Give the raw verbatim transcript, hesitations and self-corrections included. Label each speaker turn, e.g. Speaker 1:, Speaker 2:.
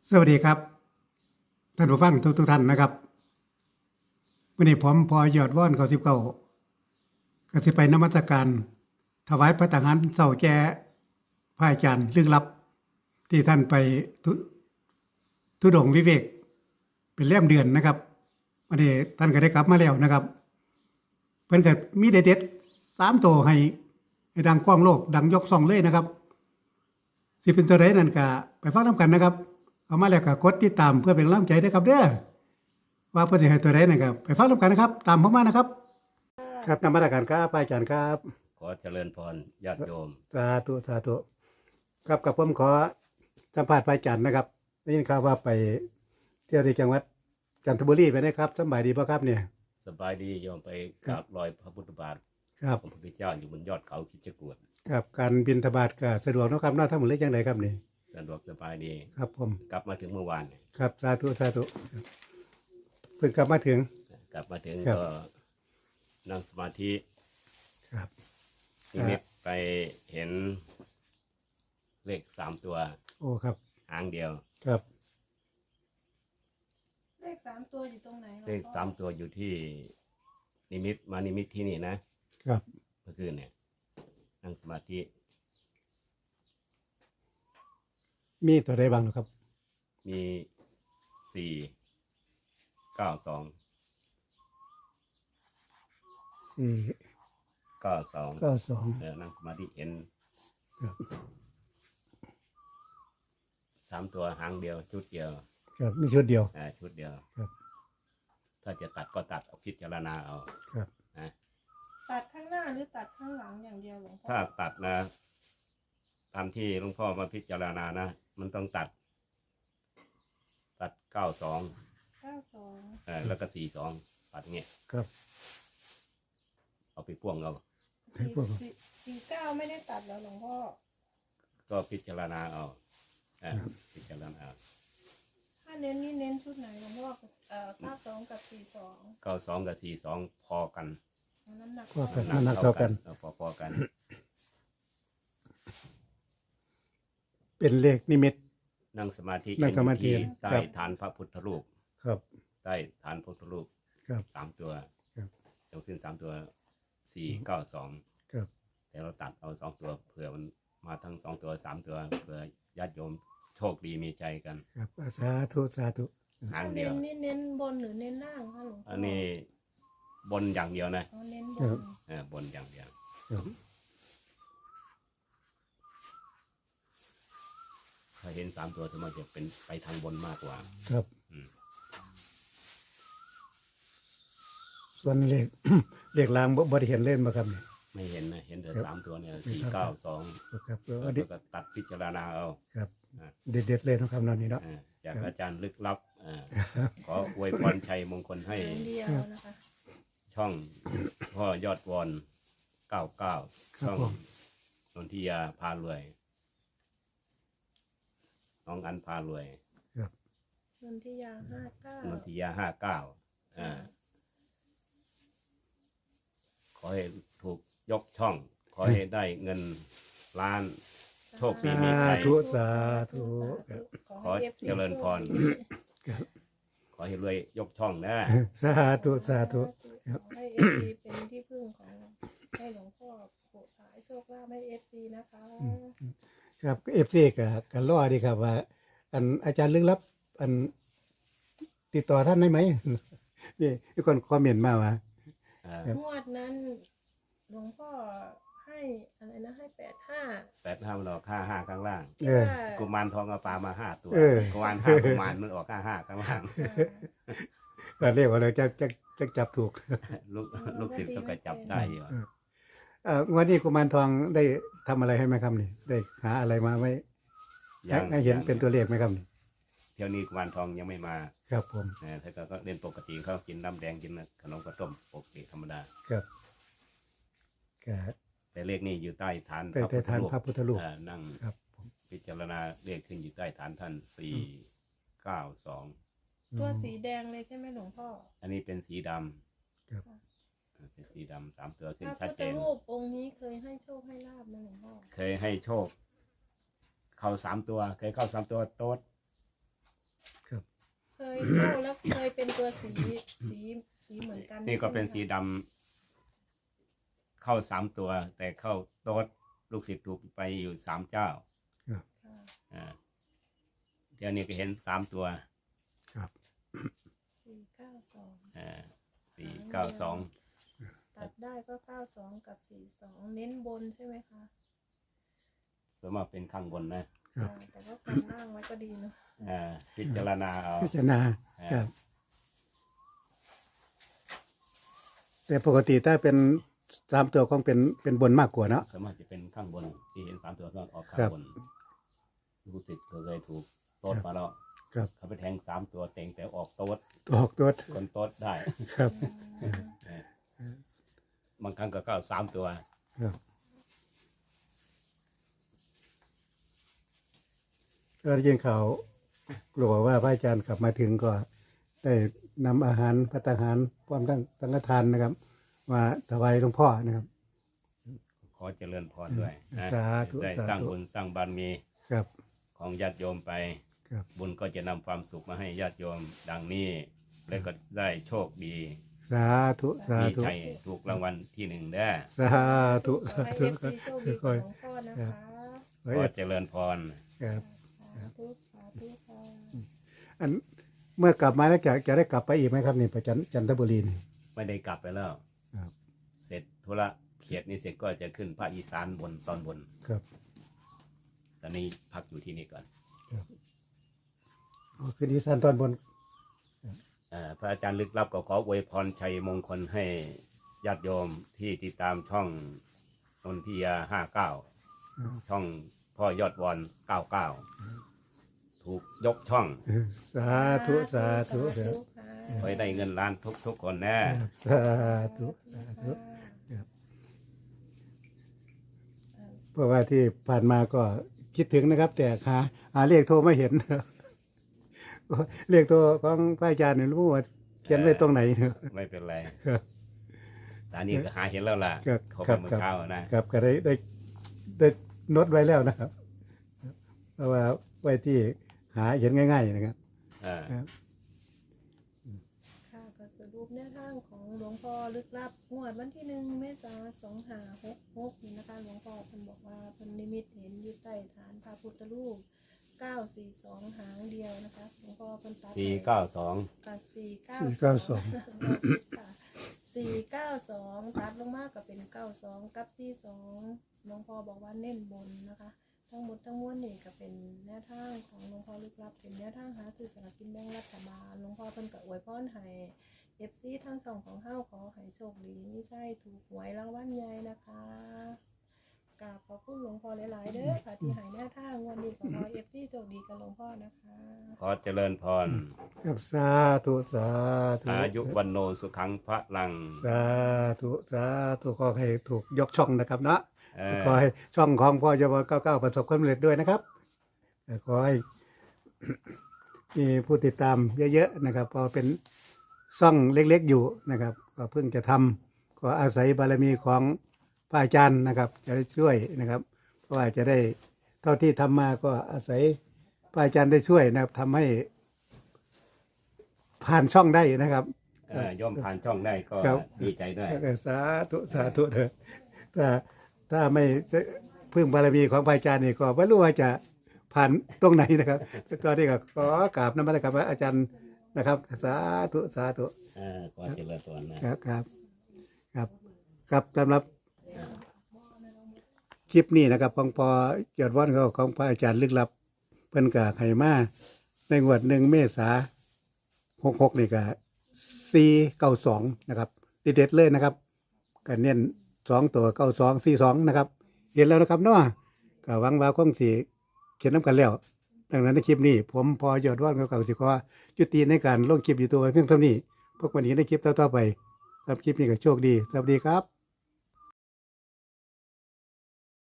Speaker 1: สวัสดีครับท่านผู้ฟังทุกทุกท่านนะครับวันนี้ผมพอยอดว่อนเขาสิบเก้าก็สิไปนมัสการถวายพระทหารเสาแก่พระอาจารย์ลึกลับที่ท่านไปทุทุดงค์วิเวกเป็นเล่มเดือนนะครับวันนี้ท่านก็ได้กลับมาแล้วนะครับเพิ่นก็มีเด็ดๆสามตัวให้ให้ดังกว้างโลกดังยกซ่องเลยนะครับสิเป็นตัวใดนั่นก็ไปฟังนำกันนะครับเอามาแล้วก็กดติดตามเพื่อเป็นกำลังใจด้วยครับเด้อว่าเพิ่นสิให้ตัวใดนั่นก็ไปฟังนำกันนะครับตามผมมานะครับครับนมัสการครับอาจารย์ครับ
Speaker 2: ขอเจริญพรญาติโยม
Speaker 1: สาธุสาธุครับกับผมขอสัมภาษณ์พระอาจารย์นะครับได้ยินข่าวว่าไปเที่ยวที่จังหวัดจันทบุรีไปนะครับสบายดีป่ะครับเนี่ย
Speaker 2: สบายดีโยมไปกราบรอยพระพุทธบาท
Speaker 1: ครับ
Speaker 2: ของพระพุทธเจ้าอยู่บนยอดเขาคิดจกรวด
Speaker 1: ครับการบินทบาทก็สะดวกเนาะครับเนาะทั้งหมดเลยจังไดครับนี่
Speaker 2: สะดวกสบายดี
Speaker 1: ครับผม
Speaker 2: กลับมาถึงเมื่อวานเนี่ย
Speaker 1: ครับสาธุสาธุครับเพิ่งกลับมาถึง
Speaker 2: กลับมาถึง
Speaker 1: ครับ
Speaker 2: ก็นั่งสมาธิ
Speaker 1: ครับ
Speaker 2: นิมิตไปเห็นเลขสามตัว
Speaker 1: โอ้ครับ
Speaker 2: หางเดียว
Speaker 1: ครับ
Speaker 3: เลขสามตัวอยู่ตรงไหนหรอ
Speaker 2: เลขสามตัวอยู่ที่นิมิตมานิมิตที่นี่นะครับ เมื่อคืนเนี่ยนั่งสมาธิ
Speaker 1: มีตัวใดบ้างเนาะครับ
Speaker 2: มีสี่เก้าสอง
Speaker 1: สี่
Speaker 2: เก้าสอง
Speaker 1: เก้าสอง
Speaker 2: เออนั่งสมาธิเห็น
Speaker 1: ครับ
Speaker 2: สามตัวหางเดียว ชุดเดียว
Speaker 1: ครับมีชุดเดียว
Speaker 2: อ่าชุดเดียว
Speaker 1: ครับ
Speaker 2: ถ้าจะตัดก็ตัดเอาพิจารณาเอา
Speaker 1: ครับ
Speaker 2: นะ
Speaker 3: ตัดข้างหน้าหรือตัดข้างหลังอย่างเดียวหลวงพ่อ
Speaker 2: ถ้าตัดนะ ตามที่หลวงพ่อมาพิจารณานะ มันต้องตัด ตัดเก้าสอง
Speaker 3: เก้าสอง
Speaker 2: เออแล้วก็สี่สองตัดเงี้ย
Speaker 1: ครับ
Speaker 2: เอาไปพ่วงเอา
Speaker 1: ให้
Speaker 3: สี่
Speaker 1: พวก
Speaker 3: สี่สี่เก้าไม่ได้ตัดแล้วหลวงพ่อ
Speaker 2: ก็พิจารณาเอาเออพิจารณาเอา
Speaker 3: ถ้าเน้นนี่เน้นชุดไหนหลวงพ่อเอ่อเก้าสองกับสี่สอง
Speaker 2: เก้าสองกับสี่สองพอกัน
Speaker 3: น้ำหนัก
Speaker 1: ก็กัน
Speaker 2: ำ
Speaker 1: น้ำหนักเท่ากัน
Speaker 2: ออพอพอกัน
Speaker 1: เป็นเลขนิมิต
Speaker 2: นั่งสมาธิ
Speaker 1: นั่งสมาธิ
Speaker 2: เห็นอยู่ที่ใต้
Speaker 1: ครับ
Speaker 2: ฐานพระพุทธรูป
Speaker 1: ครับ
Speaker 2: ใต้ฐานพระพุทธรูป
Speaker 1: ครับ
Speaker 2: สามตัว
Speaker 1: ครับ
Speaker 2: ยกขึ้นสามตัวสี่เก้าสอง
Speaker 1: ครับ
Speaker 2: แต่เราตัดเอาสองตัวเผื่อมันมาทั้งสองตัวสามตัวเผื่อญาติโยมโชคดีมีใจกัน
Speaker 1: ครับสาธุสาธุ
Speaker 2: หางเดี
Speaker 3: เน้
Speaker 2: ยวน
Speaker 3: นี่เน้นบนหรือเน้นล่างคะหลวงพ่อ
Speaker 2: อั
Speaker 3: อั
Speaker 2: นนี้บนอย่างเดียวนะ
Speaker 3: อ๋อเน้นบ
Speaker 1: ครั
Speaker 3: น
Speaker 1: บ
Speaker 2: เออบนอย่างเดียว
Speaker 1: ครับ
Speaker 2: ถ้าเห็นสามตัวสมมติจะเป็นไปทางบนมากกว่า
Speaker 1: ครับ
Speaker 2: อืม
Speaker 1: ส่วนเลข เลขลางบ่บ่ได้เห็นเล่นมาครับเนี่ย
Speaker 2: ไม่เห็นนะเห็นแต่
Speaker 1: ครับ
Speaker 2: สามตัวเนี่ย
Speaker 1: ครับ
Speaker 2: สี่เก้าสอง
Speaker 1: ครับเออ
Speaker 2: แล้ว
Speaker 1: เด็ด
Speaker 2: ก็ตัดพิจารณาเอา
Speaker 1: ครับ
Speaker 2: อ่า
Speaker 1: เด็ดเด็ดเลยเนาะครับนอนนี้เนาะ
Speaker 2: อ่าจาก
Speaker 1: ครับ
Speaker 2: อาจารย์ลึกลับอ่าขออวยพรชัยมงคลให้
Speaker 3: หางเดียวนะคะ
Speaker 2: ช่องพ่อยอดวอนเก้าเก้า
Speaker 1: ครับ
Speaker 2: ช่อง
Speaker 1: ผม
Speaker 2: นนทิยาพารวย น้องอันพารวย
Speaker 1: ครับ
Speaker 3: นนทิยาห้าเก้าน
Speaker 2: นทิยาห้าเก้าอ่าขอให้ถูกยกช่อง ขอให้ได้เงินล้าน โชคดีมี
Speaker 1: สา
Speaker 2: ชัย
Speaker 1: ธุสาธุครับ
Speaker 2: ขอเจริญพร
Speaker 1: ครับ
Speaker 2: ขอให้รวยยกช่องนะ
Speaker 1: สาธุสาธุ ครับ
Speaker 3: ขอให้เอฟซีเป็นที่พึ่งของให้หลวงพ่อโปรดขายโชคลาภให้เอฟซีนะคะ
Speaker 1: ครับเอฟซีกับกันรอดีครับว่า อันอาจารย์ลึกลับ อันติดต่อท่านได้ไหม นี่มีคนคอมเมนต์มาว่า
Speaker 2: อ่า
Speaker 1: ครับ
Speaker 3: งวดนั้นหลวงพ่อให้อะไรนะให้แปดห้า
Speaker 2: แปดห้ามันออกห้าห้าข้างล่าง
Speaker 1: เออ
Speaker 2: กุมารทองเอาปลามาห้าตัว
Speaker 1: เออ
Speaker 2: กุมารห้ากุมารมันออกห้าห้าข้างล่าง
Speaker 1: ก็เรียกว่าเลยจะจะจะจับถูก
Speaker 2: ลูกลูกศิษย์เขาก็จับได้อยู่
Speaker 1: เอ่องวันนี้กุมารทองได้ทำอะไรให้ไหมครับนี่ ได้หาอะไรมาไว้ให้ให้เห็นเป็นตัวเลขไหมครับนี่
Speaker 2: เที่ยวนี้กุมารทองยังไม่มา
Speaker 1: ครับผม
Speaker 2: เออถ้าก็เล่นปกติเขากินน้ำแดงกินขนมข้าวต้มปกติธรรมดา
Speaker 1: ครับก็
Speaker 2: แต่เลขนี้อยู่ใต้ฐาน
Speaker 1: ใต้ใต้ฐานพระพุทธรูป
Speaker 2: อ่านั่ง
Speaker 1: ครับผม
Speaker 2: พิจารณาเลขขึ้นอยู่ใต้ฐานท่านสี่เก้าสอง
Speaker 3: ตัวสีแดงเลยใช่ไหมหลวงพ่อ
Speaker 2: อันนี้เป็นสีดำ
Speaker 1: ครับ
Speaker 2: อ่าเป็นสีดำสามตัวขึ้น
Speaker 3: พระ
Speaker 2: ชัด
Speaker 3: พุท
Speaker 2: เจ
Speaker 3: ธ
Speaker 2: น
Speaker 3: รูปองค์นี้เคยให้โชคให้ลาบไหมหลวงพ่อ
Speaker 2: เคยให้โชค เข้าสามตัว เคยเข้าสามตัวโต๊ด
Speaker 3: เคยเข้าแล้วเคยเป็นตัวสีสีสีเหมือนกัน
Speaker 2: นี่ก็เป็น
Speaker 3: ใช่
Speaker 2: สี
Speaker 3: ไหมคะ
Speaker 2: ดำเข้าสามตัว แต่เข้าโต๊ดลูกศิษย์ถูกไปอยู่สามเจ้า
Speaker 3: ค่ะ
Speaker 2: อ่าเดี๋ยวนี้ก็เห็นสามตัว
Speaker 1: ครับ
Speaker 3: สี่เก้าสอง
Speaker 2: อ่าสี่เก้าสอง
Speaker 3: ตัดได้ก็เก้าสองกับสี่สองเน้นบนใช่ไหมคะ
Speaker 2: ส่วนมากเป็นข้างบนนะ
Speaker 1: ครับ
Speaker 3: อ่าแต่ก็กันล่างไว้ก็ดีเนาะ
Speaker 2: อ่าพิจารณาเอา
Speaker 1: พิจารณา
Speaker 2: อ่า
Speaker 1: ครับ แต่ปกติถ้าเป็นสามตัวคงเป็นเป็นบนมากกว่าเนาะ
Speaker 2: ส่วนมากจะเป็นข้างบนที่เห็นสามตัวก็ออกข้า
Speaker 1: ครั
Speaker 2: ง
Speaker 1: บ
Speaker 2: บนลูกศิษย์เคยถูกโต๊ดมาแล้ว
Speaker 1: ครับ
Speaker 2: เขาไปแทงสามตัวเต็งแต่ออกโต๊ด
Speaker 1: ตัวออกตัว
Speaker 2: คนโต๊ดได้
Speaker 1: ครับ
Speaker 3: อืม
Speaker 2: บางครั้งก็เข้าสามตัว
Speaker 1: ครับก็ได้ยินข่าวกลัวว่าพระอาจารย์กลับมาถึงก็ได้นำอาหารพัตตาหารพร้อมทั้งสังฆทานนะครับ มาถวายหลวงพ่อนะครับ
Speaker 2: ขอเจริญพรด้วยนะ
Speaker 1: สาธุ
Speaker 2: ได้
Speaker 1: สาธุ
Speaker 2: สร้างบุญสร้างบารมี
Speaker 1: ครับ
Speaker 2: ของญาติโยมไป
Speaker 1: ครับ
Speaker 2: บุญก็จะนำความสุขมาให้ญาติโยมดังนี้ และก็ได้โชคดี
Speaker 1: สาธุสา
Speaker 2: มี
Speaker 1: ธุ
Speaker 2: ชัยถูกรางวัลที่หนึ่งได้อ
Speaker 1: สาธุ
Speaker 3: ขอ
Speaker 1: สา
Speaker 3: ให้
Speaker 1: ธุ
Speaker 3: เอฟซีโชคดีกับหลวงพ่อนะคะ
Speaker 1: ขอ
Speaker 2: ขอ
Speaker 1: ให้
Speaker 2: เจริญพร
Speaker 1: ครับ
Speaker 3: สาธุสาธุค่ะ
Speaker 1: อันเมื่อกลับมาแล้วจะจะได้กลับไปอีกไหมครับนี่ไปจันจันทบุรีนี่
Speaker 2: ไม่ได้กลับไปแล้ว
Speaker 1: ครับ
Speaker 2: เสร็จธุระเขียดนี้เสร็จก็จะขึ้นภาคอีสานบนตอนบน
Speaker 1: ครับ
Speaker 2: ตอนนี้พักอยู่ที่นี่ก่อน
Speaker 1: อ๋อคืนนี้สันตอนบน
Speaker 2: เอ่อพระอาจารย์ลึกลับก็ขออวยพรชัยมงคลให้ญาติโยมที่ติดตามช่องนนทิยาห้าเก้า ช่องพ่อยอดวอนเก้าเก้าถูกยกช่อง
Speaker 1: สาธุสาธุ
Speaker 3: สา
Speaker 1: ครับ
Speaker 3: ธุค่ะ
Speaker 2: ไว้ได้เงินล้านทุกทุกๆคนแน่
Speaker 1: สาธุสาธุ
Speaker 3: ค่ะ
Speaker 1: เพราะว่าที่ผ่านมาก็คิดถึงนะครับ แต่หาหาเลขโทรไม่เห็น เลขโทรของพระอาจารย์เนี่ยรู้ว่าเขียนไว้ตรงไหนเนอะ
Speaker 2: ไม่เป็นไร
Speaker 1: ครับ
Speaker 2: ตอนนี้ก็หาเห็นแล้วล่ะ
Speaker 1: ครับ
Speaker 2: เขา
Speaker 1: ครั
Speaker 2: ไป
Speaker 1: บ
Speaker 2: เมื่อ
Speaker 1: ครับ
Speaker 2: เช้านะครับ
Speaker 1: ก็ได้ได้ได้โนดไว้แล้วนะครับ เพราะว่าไว้ที่หาเห็นง่าย ๆ นะครับ
Speaker 2: อ่า
Speaker 1: ครับ
Speaker 3: ค่ะก็สรุปแนวทางของหลวงพ่อลึกลับงวดวันที่หนึ่งเมษาสองห้าหกหกนี่นะคะหลวงพ่อเพิ่นบอกว่าเพิ่นนิมิตเห็นอยู่ใต้ฐานพระพุทธรูปเก้าสี่สองหางเดียวนะคะหลวงพ่อเพิ่นตัด
Speaker 2: สี่เก้าสอง
Speaker 3: ตัดสี่เก้า
Speaker 1: สี่เก้าสอง
Speaker 3: สี่เก้าสองตัดลงมากก็เป็นเก้าสองกับสี่สองหลวงพ่อบอกว่าเน้นบนนะคะ ทั้งหมดทั้งมวลนี่ก็เป็นแนวทางของหลวงพ่อลึกลับเป็นแนวทางหาซื้อสลากกินแบ่งรัฐบาลหลวงพ่อเพิ่นก็อวยพรให้เอฟซีทั้งสองของเฮาขอให้โชคดีไม่ใช่ถูกหวยรางวัลใหญ่นะคะกราบขอบคุณหลวงพ่อหลายๆเด้อค่ะที่ให้แนวทางวันนี้ขอให้เอฟซีโชคดีกับหลวงพ่อนะคะ
Speaker 2: ขอเจริญพร
Speaker 1: ครับสาธุสาธุ
Speaker 2: อายุวันโนสุขังพระลัง
Speaker 1: สาธุสาธุขอให้ถูกยกช่องนะครับเนาะ
Speaker 2: เออ
Speaker 1: ขอให้ช่องของพ่อยบเก้าเก้าประสบความสำเร็จด้วยนะครับแต่ขอให้ มีผู้ติดตามเยอะๆนะครับเพอเป็นช่องเล็กๆอยู่นะครับ ก็เพิ่งจะทำก็อาศัยบารมีของพระอาจารย์นะครับ จะได้ช่วยนะครับ เพราะว่าจะได้เท่าที่ทำมาก็อาศัยพระอาจารย์ได้ช่วยนะครับทำให้ผ่านช่องได้นะครับ
Speaker 2: เออย่อมผ่านช่องได้ก็
Speaker 1: ครับ
Speaker 2: ดีใจด้วย
Speaker 1: สาธุสาธุเถอะถ้าถ้าไม่พึ่งบารมีของพระอาจารย์นี่ก็ไม่รู้ว่าจะผ่านตรงไหนนะครับตอนนี้ก็ขอกราบนมัสการพระอาจารย์นะครับ สาธุสาธุ
Speaker 2: เออขอเจริญพรนะครับ
Speaker 1: ครับครับครับสำหรับคลิปนี้นะครับของพอยอดว่อนเขาของพระอาจารย์ลึกลับเพิ่นกะไห้มาในงวดหนึ่งเมษาหกหกนี่ก็สี่เก้าสองนะครับเด็ดๆเลยนะครับก็เน้นสองตัวเก้าสองสี่สองนะครับ เห็นแล้วนะครับเนาะก็หวังว่าคงสิเขียนน้ำกันแล้ว ดังนั้นในคลิปนี้ ผมพอยอดว่อนเก่าๆสิขอจุติในการลงคลิปอยู่ตัวไว้เพียงเท่านี้พวกวันนี้ในคลิปต่อๆไปครับคลิปนี้ก็โชคดีสวัสดีครับ